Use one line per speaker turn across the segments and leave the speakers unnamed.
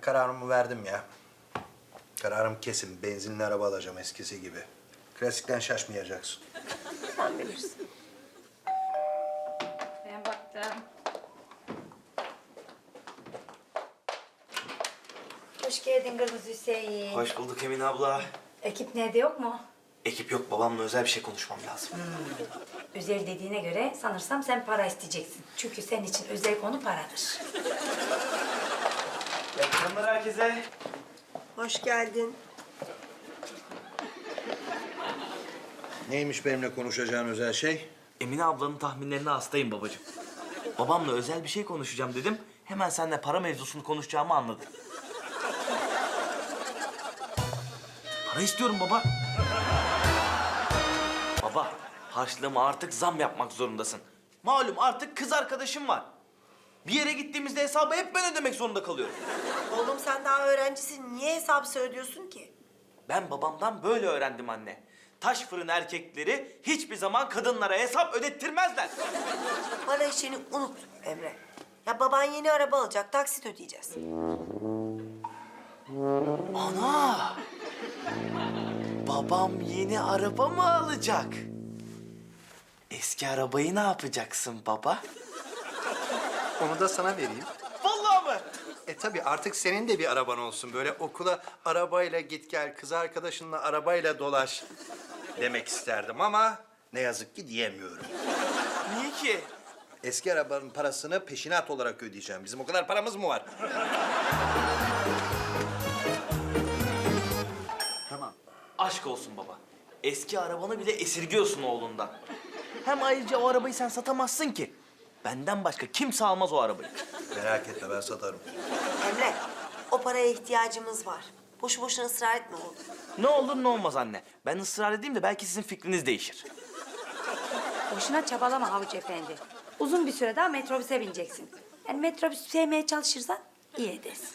kararımı verdim ya. Kararım kesin. Benzinli araba alacağım eskisi gibi. Klasikten şaşmayacaksın.
Sen bilirsin.
Ben baktım.
Hoş geldin Kırmızı Hüseyin.
Hoş bulduk Emine abla.
Ekip nerede, yok mu?
Ekip yok, babamla özel bir şey konuşmam lazım.
Özel dediğine göre sanırsam sen para isteyeceksin. Çünkü senin için özel konu paradır.
İyi akşamlar herkese.
Hoş geldin.
Neymiş benimle konuşacağın özel şey?
Emine ablanın tahminlerine hastayım babacığım. Babamla özel bir şey konuşacağım dedim. Hemen seninle para mevzusunu konuşacağımı anladı. Para istiyorum baba. Baba, harçlığıma artık zam yapmak zorundasın. Malum artık kız arkadaşım var. Bir yere gittiğimizde hesabı hep ben ödemek zorunda kalıyorum.
Oğlum sen daha öğrencisin. Niye hesap söylüyorsun ki?
Ben babamdan böyle öğrendim anne. Taş fırın erkekleri hiçbir zaman kadınlara hesap ödettirmezler.
Para işini unut Emre. Ya baban yeni araba alacak. Taksit ödeyeceğiz.
Ana! Babam yeni araba mı alacak? Eski arabayı ne yapacaksın baba?
Onu da sana vereyim.
Vallahi mı?
Tabii artık senin de bir araban olsun. Böyle okula arabayla git gel, kız arkadaşınla arabayla dolaş demek isterdim ama ne yazık ki diyemiyorum.
Niye ki?
Eski arabanın parasını peşinat olarak ödeyeceğim. Bizim o kadar paramız mı var?
Tamam. Aşk olsun baba. Eski arabanı bile esirgiyorsun oğlundan. Hem ayrıca o arabayı sen satamazsın ki. Benden başka kimse almaz o arabayı.
Merak etme, ben satarım.
Emre, o paraya ihtiyacımız var. Boşu boşuna ısrar etme oğlum.
Ne olur ne olmaz anne. Ben ısrar edeyim de belki sizin fikriniz değişir.
Boşuna çabalama Havuç Efendi. Uzun bir süre daha metrobüse bineceksin. Yani metrobüs sevmeye çalışırsan iyi edersin.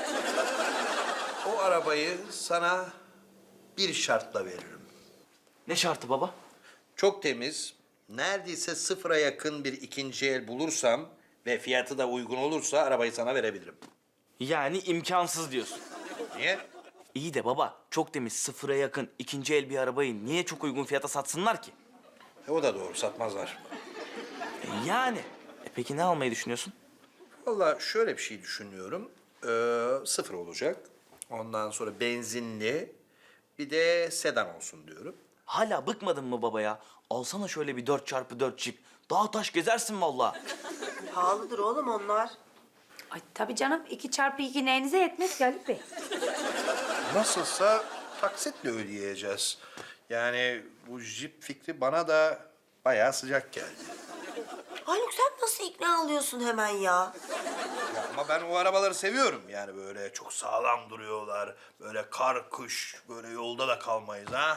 O arabayı sana bir şartla veririm.
Ne şartı baba?
Çok temiz, neredeyse sıfıra yakın bir ikinci el bulursam ve fiyatı da uygun olursa arabayı sana verebilirim.
Yani imkansız diyorsun.
Niye?
İyi de baba, çok temiz, sıfıra yakın, ikinci el bir arabayı niye çok uygun fiyata satsınlar ki?
O da doğru, satmazlar.
Yani. Peki ne almayı düşünüyorsun?
Vallahi şöyle bir şey düşünüyorum. Sıfır olacak. Ondan sonra benzinli, bir de sedan olsun diyorum.
Hala bıkmadın mı baba ya? Alsana şöyle bir 4x4 Jeep. Dağ taş gezersin vallahi.
Pahalıdır oğlum onlar.
Ay tabii canım, 2x2 neyinize yetmez ki Haluk Bey.
Nasılsa taksitle ödeyeceğiz. Yani bu jip fikri bana da bayağı sıcak geldi.
Haluk sen nasıl ikna alıyorsun hemen ya?
Ya ama ben o arabaları seviyorum. Yani böyle çok sağlam duruyorlar. Böyle kar, kış, böyle yolda da kalmayız ha.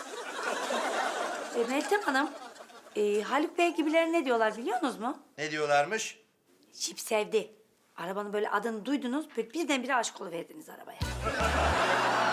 Meltem Hanım, Haluk Bey gibiler ne diyorlar biliyor musunuz mu?
Ne diyorlarmış?
Jip sevdi. Arabanın böyle adını duydunuz, böyle birdenbire aşık oluverdiniz arabaya.